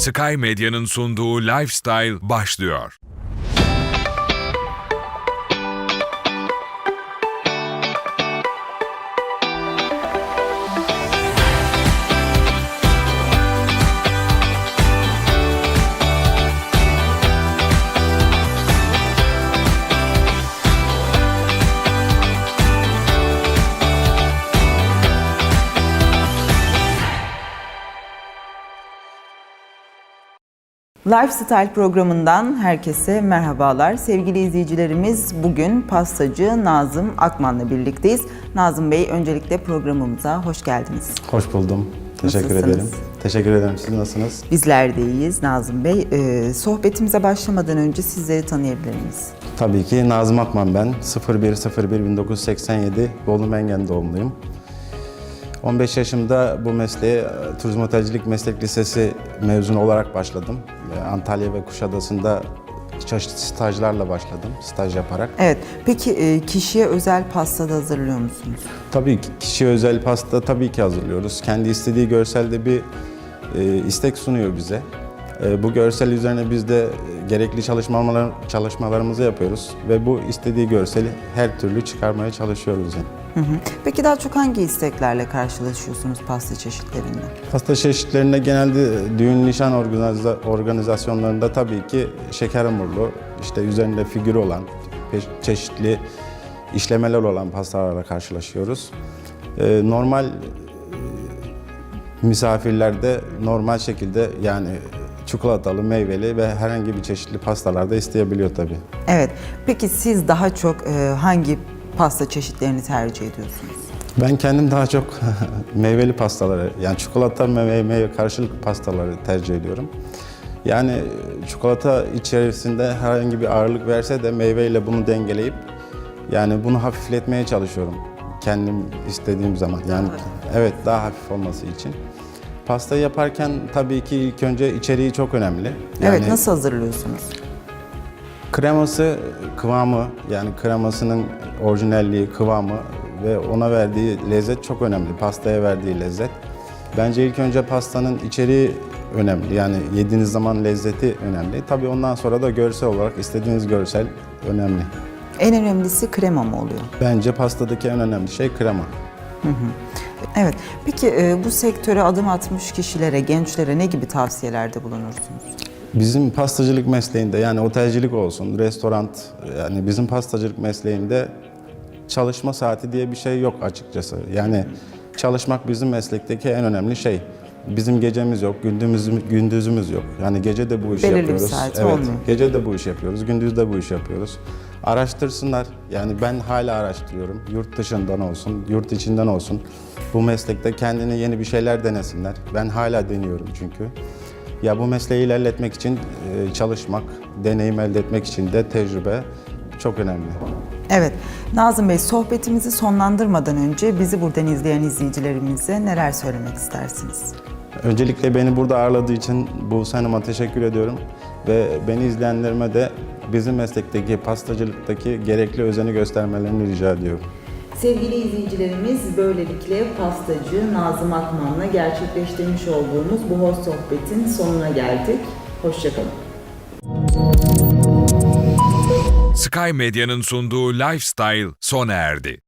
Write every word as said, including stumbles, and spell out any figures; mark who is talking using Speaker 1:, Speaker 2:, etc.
Speaker 1: Sky Medya'nın sunduğu Lifestyle başlıyor.
Speaker 2: Lifestyle programından herkese merhabalar. Sevgili izleyicilerimiz, bugün pastacı Nazım Akman'la birlikteyiz. Nazım Bey, öncelikle programımıza hoş geldiniz.
Speaker 3: Hoş buldum. Teşekkür
Speaker 2: Nasılsınız?
Speaker 3: ederim. Teşekkür ederim. Siz nasılsınız?
Speaker 2: Bizler de iyiyiz Nazım Bey. Ee, sohbetimize başlamadan önce sizleri tanıyabilir miyiz?
Speaker 3: Tabii ki Nazım Akman ben. sıfır bir sıfır bir bin dokuz yüz seksen yedi Bolu Mengen doğumluyum. on beş yaşımda bu mesleğe Turizm Otelcilik Meslek Lisesi mezunu olarak başladım. Antalya ve Kuşadası'nda çeşitli stajlarla başladım, staj yaparak.
Speaker 2: Evet, peki e, kişiye özel pasta da hazırlıyor musunuz?
Speaker 3: Tabii ki kişiye özel pasta tabii ki hazırlıyoruz. Kendi istediği görselde bir e, istek sunuyor bize. E, bu görsel üzerine biz de gerekli çalışmalar, çalışmalarımızı yapıyoruz ve bu istediği görseli her türlü çıkarmaya çalışıyoruz yani.
Speaker 2: Hı hı. Peki daha çok hangi isteklerle karşılaşıyorsunuz pasta çeşitlerinde?
Speaker 3: Pasta çeşitlerinde genelde düğün nişan organiza- organizasyonlarında tabii ki şeker hamurlu, işte üzerinde figürü olan, pe- çeşitli işlemeler olan pastalarla karşılaşıyoruz. Ee, normal e, misafirlerde normal şekilde yani çikolatalı, meyveli ve herhangi bir çeşitli pastalar da isteyebiliyor tabii.
Speaker 2: Evet, peki siz daha çok e, hangi pasta çeşitlerini tercih ediyorsunuz?
Speaker 3: Ben kendim daha çok meyveli pastaları, yani çikolata ve meyve karşılıklı pastaları tercih ediyorum. Yani çikolata içerisinde herhangi bir ağırlık verse de meyveyle bunu dengeleyip yani bunu hafifletmeye çalışıyorum kendim istediğim zaman. Yani evet, daha hafif olması için. Pasta yaparken tabii ki ilk önce içeriği çok önemli. Yani
Speaker 2: Evet, nasıl hazırlıyorsunuz?
Speaker 3: kreması, kıvamı, yani kremasının orijinalliği, kıvamı ve ona verdiği lezzet çok önemli. Pastaya verdiği lezzet. Bence ilk önce pastanın içeriği önemli. Yani yediğiniz zaman lezzeti önemli. Tabii ondan sonra da görsel olarak istediğiniz görsel önemli.
Speaker 2: En önemlisi krema mı oluyor?
Speaker 3: Bence pastadaki en önemli şey krema.
Speaker 2: Evet. Peki e, bu sektöre adım atmış kişilere, gençlere ne gibi tavsiyelerde bulunursunuz?
Speaker 3: Bizim pastacılık mesleğinde, yani otelcilik olsun, restoran, yani bizim pastacılık mesleğinde çalışma saati diye bir şey yok açıkçası. Yani çalışmak bizim meslekteki en önemli şey. Bizim gecemiz yok, gündüzümüz, gündüzümüz yok. Yani gece de bu işi
Speaker 2: Belirli bir
Speaker 3: yapıyoruz.
Speaker 2: saati
Speaker 3: Evet,
Speaker 2: olmuyor.
Speaker 3: gece de bu işi yapıyoruz, gündüz de bu işi yapıyoruz. Araştırsınlar. Yani ben hala araştırıyorum. Yurt dışından olsun, yurt içinden olsun. Bu meslekte kendine yeni bir şeyler denesinler. Ben hala deniyorum çünkü. Ya bu mesleği ilerletmek için e, çalışmak, deneyim elde etmek için de tecrübe çok önemli.
Speaker 2: Evet. Nazım Bey, sohbetimizi sonlandırmadan önce bizi buradan izleyen izleyicilerimize neler söylemek istersiniz?
Speaker 3: Öncelikle beni burada ağırladığı için Buse Hanım'a teşekkür ediyorum. Ve beni izleyenlerime de bizim meslekteki, pastacılıktaki gerekli özeni göstermelerini rica ediyorum.
Speaker 2: Sevgili izleyicilerimiz, böylelikle pastacı Nazım Akman'la gerçekleştirmiş olduğumuz bu hoş sohbetin sonuna geldik. Hoşçakalın.
Speaker 1: Sky Medya'nın sunduğu Lifestyle sona erdi.